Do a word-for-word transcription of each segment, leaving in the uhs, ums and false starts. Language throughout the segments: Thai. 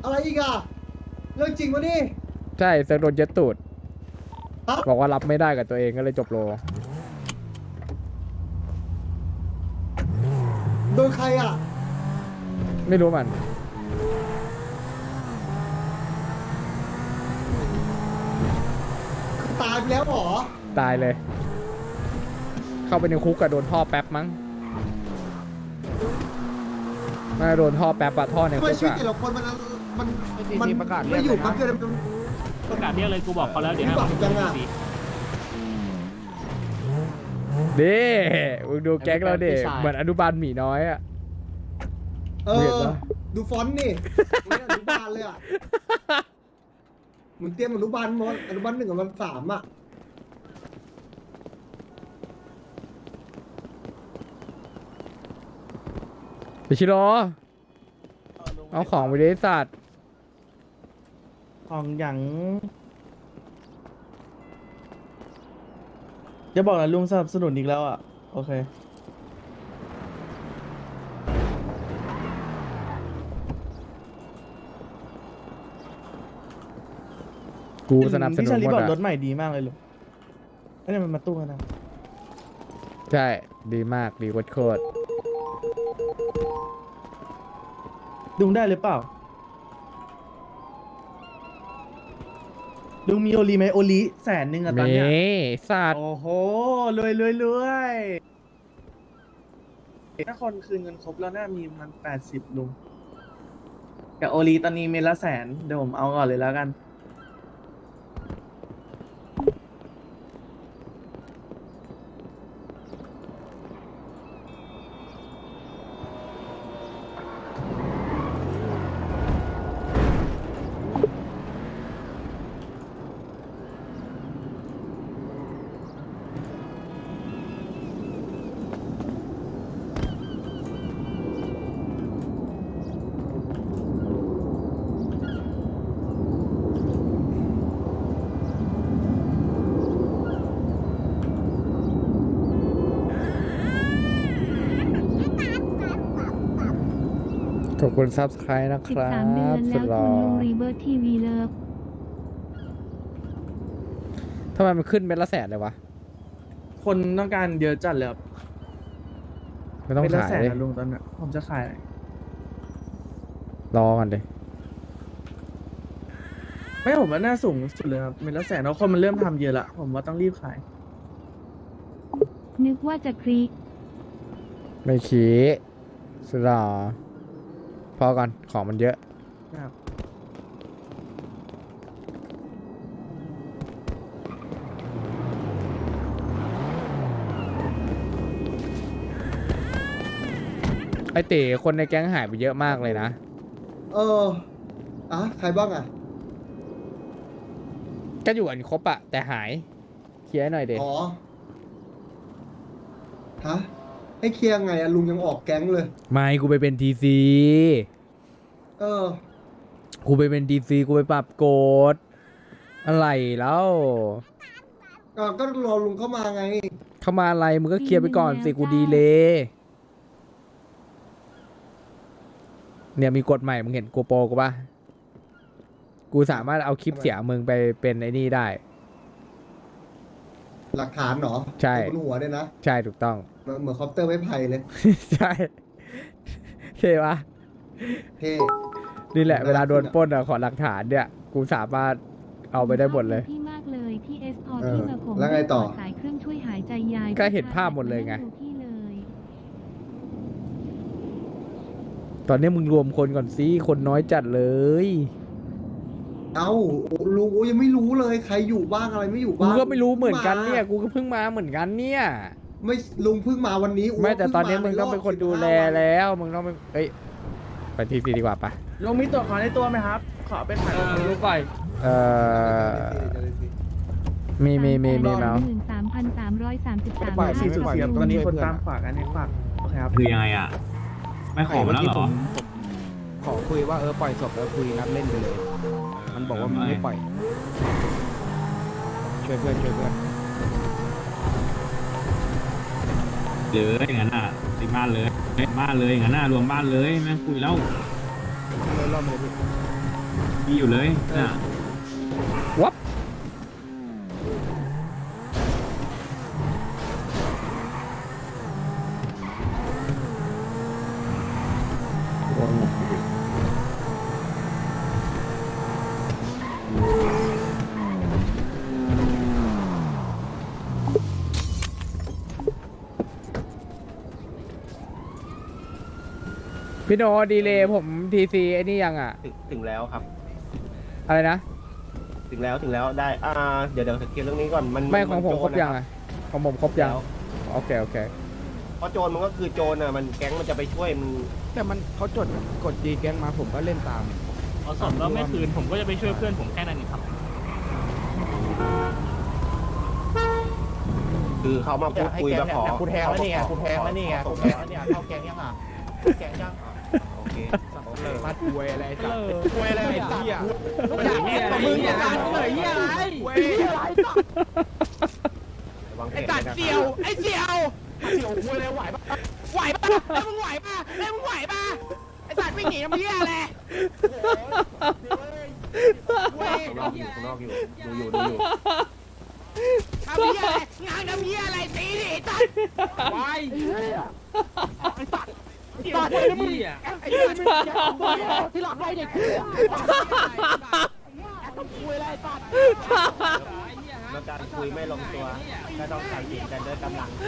อะไรอีกอะเรื่องจริงวะนี่ใช่เซิร์ฟโดนยึดตูดฮะบอกว่ารับไม่ได้กับตัวเองก็เลยจบโลโดนใครอะไม่รู้มันตายไปแล้วเหรอตายเลย เข้าไปในคุกกับโดนท่อแป๊บมั้งไม่โดนท่อแป๊บอะท่อในทำคุไมกชีวิตอะแต่ละคนมันมันมัมันนประกาศเรียไม่กอยู่เลยนะปั๊บเดียวมันประกาศเรียกเลยกูบอกเขาแล้วเดี๋ยวให้หวังจังอะดิมึงดูแก๊งเราดิเหมือนอนุบาลหมีน้อยอะเอเห็นอปะดูฟอนต์นี่เหมือนอนุบาลเลยอะเหมือนเตรียมอนุบาลมออนุบาลหนึ่งกับวันสามอะไปชิโร่เอาของไปดิสัตว์ของอย่างจะบอกนะลุงสนับสนุนอีกแล้วอ่ะ โอเคกูสนับสนุพี่นชาลีหมบอดกรอะถใหม่ดีมากเลยลุงอันนี้มันมาตู้กันนะใช่ดีมากดีโคตรลุงได้หรือเปล่าลุงมีโอลีไหมโอลีแสนหนึ่งอะๆตอนมีเนี้ยสัตว์โอ้โหรวยรวยรวยถ้าคนคืนเงินครบแล้วน่ามีมันแปดสิบลุงแต่โอลีตอนนี้เมดละแสนเดี๋ยวผมเอาก่อนเลยแล้วกันขอบคุณซับสไครต์นะคสิบรัสามเดือบ นสุแล้ดวหคุล่อณลุงรีเบิร์ทีวีเลิฟทำไมมันขึ้นเป็นละแสนเลยวะคนต้องการเยอะจัดเลยครับไม่ต้องเมดละขายแสนเลยนะลุงตอนนี้ผมจะขายรอกันเลยไม่ผมว่าน่าสูงสุดเลยครับเมดละแสนแล้วคนมันเริ่มทำเยอะละผมว่าต้องรีบขายนึกว่าจะคลิกไม่ขี้สุดหล่อพอก่อนของมันเยอะครับไอเต๋คนในแก๊งหายไปเยอะมากเลยนะเอออ่ะใครบ้างอะก็อยู่กันครบอะแต่หายเคลียร์หน่อยเด็อ๋อฮะให้เคลียร์ไงอะลุงยังออกแก๊งเลยไม่กูไปเป็นทีซีเออกูไปเป็นทีซีกูไปปรับโกดอะไรแล้วอ่ะก็รอลุงเข้ามาไงเข้ามาอะไรมึงก็เคลียร์ไปก่อนสิกูดีเลย เนี่ยมีกฎใหม่มึงเห็นกูโปรกูปะกูสามารถเอาคลิปเสียงมึงไปเป็นไอ้นี่ได้หลักฐานเหรอใช่บนหัวเนี่ยนะใช่ถูกต้องเหมือนเหมือนคอปเตอร์ไม้ไผ่เลยใช่เท่ปะเท่นี่แหละน่าเวลาโดนขึ้นอะปล้นอะขอหลักฐานเนี่ย กูสามารถเอาไปได้หมดเลยพี่มากเลยที่เอสพอเออที่มาผมแล้วไงต่อสายเครื่องช่วยหายใจยายก็เห็นภาพหมดเลยไงดูพี่เลยตอนนี้มึงรวมคนก่อนสิคนน้อยจัดเลยเอ้าลุงโอ้ยังไม่รู้เลยใครอยู่บ้างอะไรไม่อยู่กูบ้างก็ไม่รู้เหมือนกันเนี่ยากูก็เพิ่งมาเหมือนกันเนี่ยไม่ลุงเพิ่งมาวันนี้ไม่แต่เพิ่ตอนนี้ามึงต้องเป็นคนดูแลใรอบสิบห้าวันแล้ว มึงต้องไปเอ้ยไปทีซีดีกว่าปะลุงมีตัวขอในตัวไหมครับ ขอไปขายรู้ก่อนเอ่อมีมีมีมีเมาส์หนึ่งสามพันสามร้อยสามสิบสามปล่อยสี่สุดเสียบตอนนี้คนตามฝากอันนี้ฝากโอเคครับคือยังไงอ่ะ ไม่ขอมาแล้วเหรอขอคุยว่าเออปล่อยศพแล้วคุยนัดเล่นไปเลย มันบอกว่ามันไม่ปล่อย ช่วยเพื่อนช่วยเพื่อนเลยอย่างนั้นอ่ะติดบ้านเลยบ้านเลยอย่างนั้นน่ะรวมบ้านเลยนะคุยแล้วเลยรอบมาเลยพี่มีอยู่เลยน่ะวับพี่โนดีเลยผมทีซีไอ้นี่ยังอ่ะถึงถึงแล้วครับอะไรนะถึงแล้วถึงแล้วได้อ่าเดี๋ยวเดี๋ยวเคลียร์เรื่องนี้ก่อนมันไม่ของผมนครบยังโจอ่ะของผมครบยังแล้วโอเคโอเคเพราะโจรมันก็คือโจรอ่ะมันแก๊งมันจะไปช่วยมันแต่มันเขาจดกดดีแก๊งมาผมก็เล่นตามพอสดแล้วไม่คืนผมก็จะไปช่วยเพื่อนผมแค่นั้นเองครับคือเขามาพูดคุยมาขอกูแทงแล้วนี่ไงกูแทงแล้วนี่ไงกูแทงแล้วนี่ไงเข้าแกงยังอ่ะแกงยังโอเคโอเคมาถวยอะไรสัตว์คุยอะไรไอ้สัตว์เหี้ยอยากแอบกับมึงอย่างนั้นเลยเหี้ยอะไรเหี้ยอะไรสัตว์วางแผไอ้นสัตว์นะครับเสี่ยวไอ้เสี่ยวเสี่ยวคุยอะไรไหวปะไหวปะแล้วมึงไหวปะแล้วมึงไหวปะไอ้สัตว์วิ่งหนีน้ำเหี้ยอะไรเว้ยข้างนอกอยู่ข้างนอกอยู่ดูอยู่ดูอยู่น้ำเหี้ยอะไรงานน้ำเหี้ยอะไรตีดิไอ้สัตว์ไปไอ้สัตว์ไอ้สัตว์ไอ้มึงไอ้สัตว์ที่หลังไว้เด็กคุยอะไรสัตว์แล้วการคุยไม่ลงตัวก็ต้องตัดสินกันด้วยกำลัง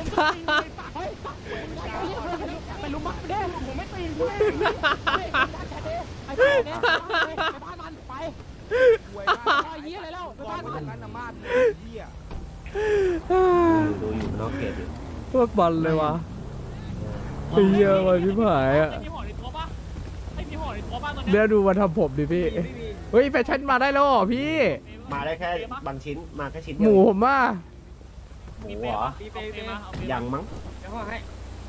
ไปลุมมัดเด้ผมไม่ตีนกูไอ้บ้านมันไปไอ้เหี้ยอะไรแล้วไปบ้านมันนั่นน่ะมาดเหี้ยดูอยู่นอกเขตอยู่พวกบอลเลยวะไอ้เหี้ยวันพี่ผายอ่ะไอ้พี่ห่อในตัวปะไอ้พี่ห่อในตัวปะตอนเนี้ยเดี๋ยวดูมาทำผมดิพี่ เฮ้ยแฟชั่นมาได้แล้วเหรอพี่มาได้แค่บางชิ้นมาแค่ชิ้นหเดียวมูผมอ่ะหมูเหรอมีเปย์มาเอาเปย์ยังมั้งเดี๋ยวห่อให้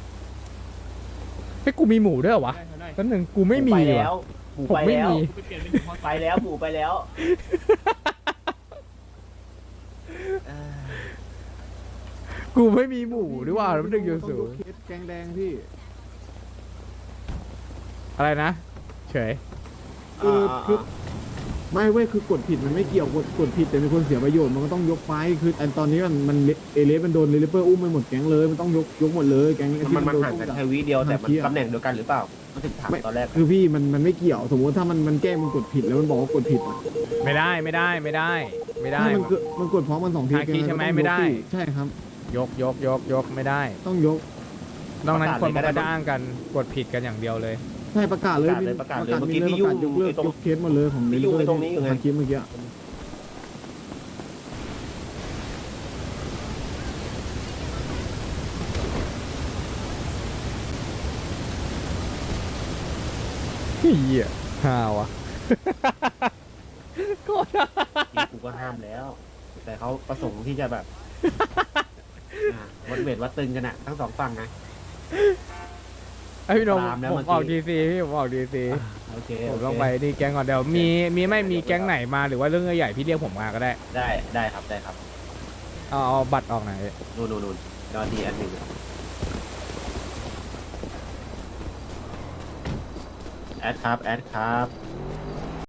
ให้ยกูมีหมูด้วยเหรอวะตั้งหนึ่งกูไม่มีไปว่ะแล้วหมูผมไปไม่แล้วมีกูไปเปลี่ยนเป็นหมูห่อไปแล้วหมูไปแล้วกูไม่มีหมูด้วยว่ะแล้วมันดึงอยู่สูงแกงแดงพี่อะไรนะ เฉยคือคือไม่เว้ยคือกดผิดมันไม่เกี่ยวกดกดผิดแต่มีคนเสียประโยชน์มันก็ต้องยกไฟคืออันตอนนี้มันมันเอเลสมันโดนเรลิเปอร์อุ้มไปหมดแก๊งเลยมันต้องยกยกหมดเลยแก๊งมันมันโดห่างอุ้กันจากแค่วิเดียวแต่มันทางเที่ยวตำแหน่งเดียวกันหรือเปล่ามันถึงถามตอนแรกคือพี่มันมันไม่เกี่ยวสมมติถ้ามันมันแกล้งมันกดผิดแล้วมันบอกว่ากดผิดอะไม่ได้ไม่ได้ไม่ได้ ไม่ได้ถ้ามันกดมันกดพร้อมกันสองทีหาคีย์ใช่ไหมแก๊งไม่ได้ก็ต้องยกสิใช่ครับยกยกยกยกไม่ได้ต้องยกนอกนั้นคนมันก็จะอ้างกันกดผิดกันอย่างเดียวเลยใช่ประกาศเลยประกาศเลยประกาศเลยเมื่อกี้มีพี่ยุ่งยกเลิกตรงยกเคสหมดเลยของพี่ยุ่งตรงนี้อยู่ไงทางคลิปเมื่อกี้เฮียห่าวะ โคตรพี่กูก็ห้ามแล้ว แต่เขาประสงค์ที่จะแบบอ่าวัดเวทวัดตึงกันอะทั้งสองฝั่งไงไอพี่โนมตามแล้วผมเมื่อกี้ออกดีซีพี่ผมออกดีซีโอเคผมโเคต้องไปนี่แก๊งก่อนเดี๋ยวมีมีไม่มีแก๊งไหนมาหรือว่าเรื่องใหญ่ๆพี่เรียกผมมาก็ได้ได้ได้ครับได้ครับเอาเอาบัตรออกไหนอยนู่นนู่นนู่นรอดีอันหนึ่งแอดครับแอดครับ